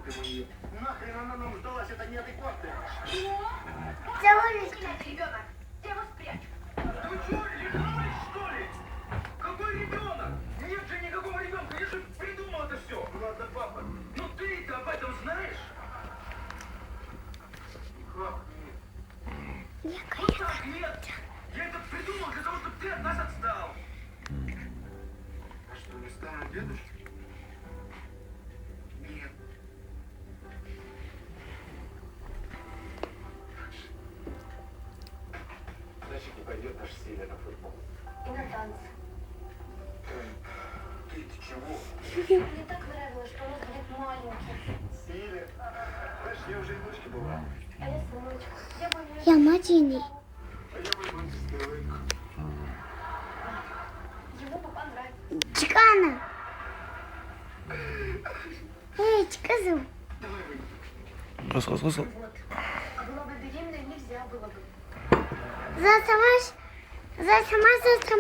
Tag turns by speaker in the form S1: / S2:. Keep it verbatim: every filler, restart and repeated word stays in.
S1: Ёлки мои. Нахрен она нам сдалась, это неадекватная.
S2: Целуюсь.
S3: Ребенок, я его спрячу.
S1: Да вы что, рехнулись, что ли? Какой ребенок? Нет же никакого ребенка, я же придумал это все. Ладно, папа, ну ты-то об этом знаешь? Как нет?
S2: Я
S1: Ну так нет. Я это придумал для того, чтобы ты от нас отстал. А что, не стану дедушкой? Нет. Значит, не пойдет наш Силя на футбол.
S3: И на танцы.
S1: Ты, ты чего?
S3: Мне так нравилось, что он будет маленький.
S1: Силя? Знаешь, я уже и дочки была.
S3: А я сыночек. Я бы не...
S2: Я мать
S1: А я бы его не стоил.
S3: Ему бы понравилось.
S2: Чикана. Эй, чиказу.
S1: Давай выйдем.
S4: Раз, раз, раз.
S3: Вот. А была бы беременной, нельзя было бы.
S2: За сама, за сама, за сама.